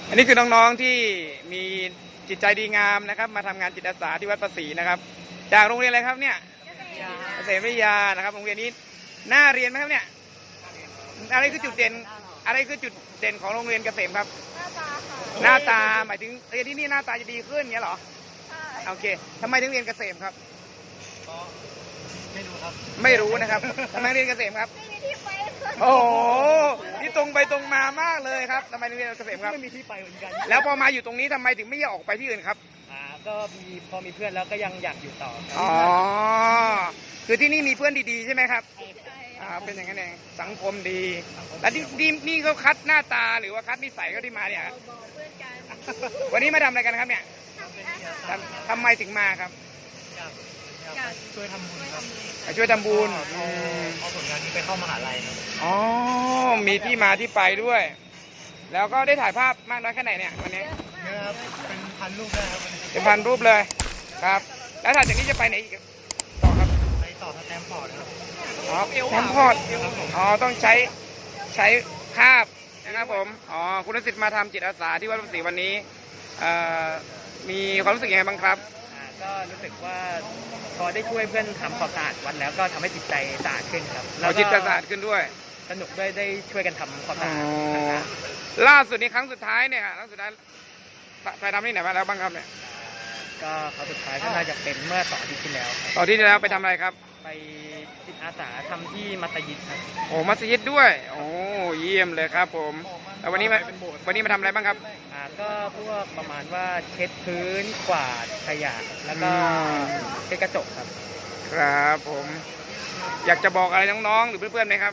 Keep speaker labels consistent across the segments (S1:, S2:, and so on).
S1: อันนี้คือน้องๆที่มีจิตใจดีงามนะครับมาทำงานจิตอาสาที่วัดประศรีนะครับจากโรงเรียนอะไรครับเนี่ยเกษตรวิทยานะครับโรงเรียนนี้น่าเรียนไหมครับเนี่ยอะไรคือจุดเด่นอะไรคือจุดเด่นของโรงเรียนเกษมครับหน้าตาหมายถึงเรียนที่นี่หน้าตาจะดีขึ้นเงี้ยเหรอโอเคทำไมถึงเรียนเกษมครับ
S2: ไม่รู้ครับ
S1: ไม่รู้นะครับทำไมเรียนเกษมครับโอ้โหนี่ตรงไปตรงมามากเลยครับทำไมเรียนเกษมครับ
S2: ไม่มีที่ไปเหมือนกัน
S1: แล้วพอมาอยู่ตรงนี้ทำไมถึงไม่อยากออกไปที่อื่นครับ
S2: ก็พอมีเพื่อนแล้วก็ยังอยากอยู่ต่อ
S1: อ๋อคือที่นี่มีเพื่อนดีๆใช่ไหมครับเป็นอย่างนั้นเองสังคมดีแล้วนี่เขาคัดหน้าตาหรือว่าคัดนิสัยเขาที่มาเนี่ยวันนี้มาทำอะไรกันครับเนี่ยทำไมถึงมาครับ
S2: ช่วยทำบุญครับ
S1: ช่วยทำบุญ
S2: เอาผลงานนี้ไปเข้ามหาลัยครับ
S1: อ๋อมีที่มาที่ไปด้วย แล้วก็ได้ถ่ายภาพมากน้อยแค่ไหนเนี่ยวันนี้
S2: เยอะครับเป็นพันรูปได้ครับ
S1: เป็นพันรูปเลยครับแล้วถัดจากนี้จะไปไหนอีกต่อครับ
S2: ไปต่อสแตมป์พอร์ตครับ
S1: แตมป์พอร์ตต้องใช้ภาพนะครับผมคุณศิษย์มาทำจิตอาสาที่วัดประศรีวันนี้มีความรู้สึกยังไงบ้างครับ
S2: ก็รู้สึกว่าพอได้ช่วยเพื่อนทำความสะอาดวัดแล้วก็ทำให้จิตใจสะอาดขึ้นครับ
S1: แล้วจิตสะอาดขึ้นด้วย
S2: สนุกด้วยได้ช่วยกันทำความสะอาด
S1: ล่าสุดนี้ครั้งสุดท้ายเนี่ยครั้งสุดท้ายไปทำที่ไหนมาแล้วบ้างครับเนี่ย
S2: ก็ครั้งสุดท้ายก็น่าจะเป็นเมื่อ2 อาทิตย์ที่แล้ว
S1: 2 อาทิตย์ที่แล้วไปทำอะไรครับ
S2: ไปจิตอาสาทำที่มัสยิดครับ
S1: โอ้มัสยิดด้วยโอ้เยี่ยมเลยครับผมแล้ววันนี้มาทำอะไรบ้างครับ
S2: ก็พวกประมาณว่าเช็ดพื้นกวาดขยะแล้วก็เช็ดกระจกครับ
S1: ครับผมอยากจะบอกอะไรน้องๆหรือเพื่อนๆไหมครับ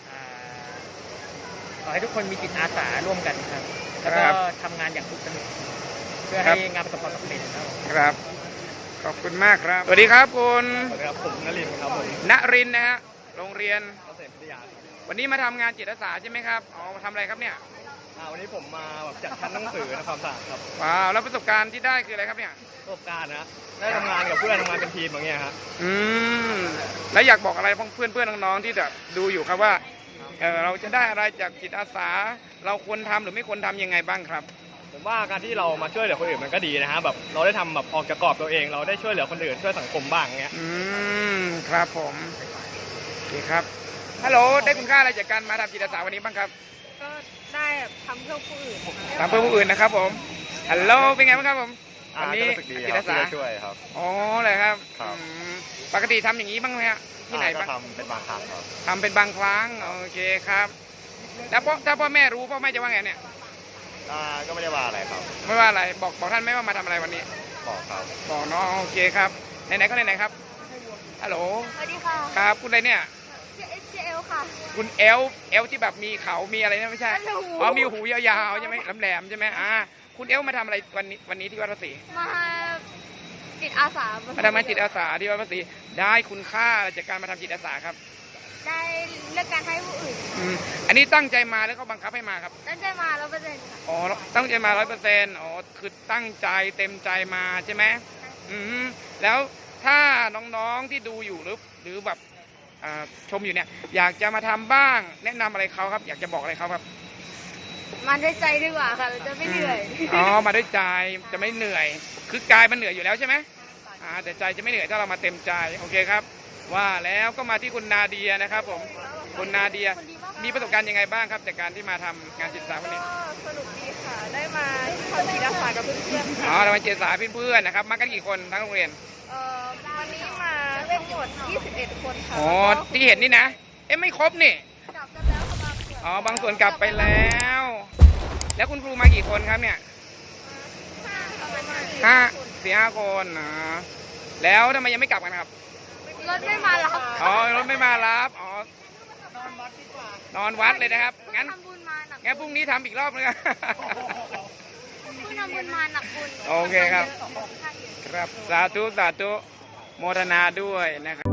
S2: ขอให้ทุกคนมีจิตอาสาร่วมกันครับแล้วก็ทำงานอย่างสุขสนุกเพื่อให้งานประสบความสำเร็จ
S1: ครับขอบคุณมากครับสวัสดีครับคุณ
S2: สวัสดีครับผมนรินทร์ครับผม
S1: ณรินทร์นะฮะโรงเรียน
S2: เกษตรวิทยา
S1: วันนี้มาทำงานจิตอาสาใช่ไหมครับมาทำอะไรครับเนี่ย
S2: วันนี้ผมมาแบบจัดชั้นหนังสือในความสะอาดครับ
S1: ว้าวแล้วประสบการณ์ที่ได้คืออะไรครับเนี่ย
S2: ประสบการณ์นะได้ทำงานกับเพื่อนทำงานเป็นทีมอย่างเงี้ยครับ
S1: แล้วอยากบอกอะไรเพื่อนน้องๆที่จะดูอยู่ครับว่าเราจะได้อะไรจากจิตอาสาเราควรทำหรือไม่ควรทำยังไงบ้างครับ
S2: ผมว่าการที่เรามาช่วยเหลือคนอื่นมันก็ดีนะฮะแบบเราได้ทำแบบออกจากกรอบตัวเองเราได้ช่วยเหลือคนอื่นช่วยสังคมบ้างเงี้ย
S1: ครับผมโอเคครับฮัลโหลได้คุณค่าอะไรจากการมาทำจิตอาสาวันนี้บ้างครับ
S3: ก็ได้ทำเพื่อผู้อื่น
S1: ทำเพื่อผู้อื่นนะครับผมฮัลโหลเป็นไงบ้างครับผม
S2: วันนี้จิตอาสาช่วยครับ
S1: อ๋อเลยครับปกติทำอย่างนี้บ้างไหมฮะที่ไหนบ้าง
S2: ทำเป็นบางครั้งครับ
S1: ทำเป็นบางครั้งโอเคครับแล้วถ้าพ่อแม่รู้พ่อแม่จะว่าไงเนี่ย
S2: ก็ไม่ได้ว่าอะไรครับ
S1: ไม่ว่าอะไรบอกท่านไหมว่ามาทำอะไรวันนี้
S2: บอกครับ
S1: บอกน้องโอเคครับไหนๆก็ไหนๆครับฮัลโหล
S3: สวัสดีค่ะ
S1: ครับคุณอะไรเนี่ย
S3: ชื่อเอลค่ะ
S1: คุณเอลที่แบบมีเขามีอะไรนะไม่ใช่มีหูยาวๆใช่ไหมแหลมๆใช่ไหมคุณเอลมาทำอะไรวันนี้ที่วัดภาษี
S3: มาจิตอาสา
S1: มาทำงานจิตอาสาที่วัดภาษีได้คุณค่าจากการมาทำจิตอาสาครับ
S3: ได้เลือกการให้ผู้อื่น
S1: อันนี้ตั้งใจมาหรือเขาบังคับให้มาครับ
S3: ตั้งใจมา100%ค่ะ
S1: ตั้งใจมา100%คือตั้งใจเต็มใจมาใช่ไหมแล้วถ้าน้องๆที่ดูอยู่หรือแบบชมอยู่เนี่ยอยากจะมาทำบ้างแนะนำอะไรเขาครับอยากจะบอกอะไรเขาครับ
S3: มาด้วยใจดีกว่าค่ะจะไม่เหนื่อย
S1: มาด้วยใจจะไม่เหนื่อยคือกายมันเหนื่อยอยู่แล้วใช่ไหมแต่ใจจะไม่เหนื่อยถ้าเรามาเต็มใจโอเคครับว่าแล้วก็มาที่คุณนาเดียนะครับผมคุณนาเดียมีประสบการณ์ยังไงบ้างครับจากการที่มาทำงานจิตอาสาวันนี้
S3: สนุกดีค่ะได้มาทำจิตอาสากับเพื่อนๆ
S1: เรามาจิตอาสาเพื่อนๆนะครับมากันกี่คนทั้งโรงเรียน
S3: วันนี้มาเล่นหมด21 คนค่ะ
S1: ที่เห็นนี่นะไม่ครบนี่
S3: กลับกันแล้วค่ะ
S1: บางส่วนกลับไปแล้วแล้วคุณครูมากี่คนครับเนี่ย4-5 คนแล้วทำไมยังไม่กลับกันครับ
S3: รถไม่มารับ
S1: รถไม่มารับนอนวัดเลยนะครับงั้นพรุ่งนี้ทำอีกรอบนึง
S3: ทำบุญมาหนักบุญ
S1: โอเคครับครับสาธุโมทนาด้วยนะครับ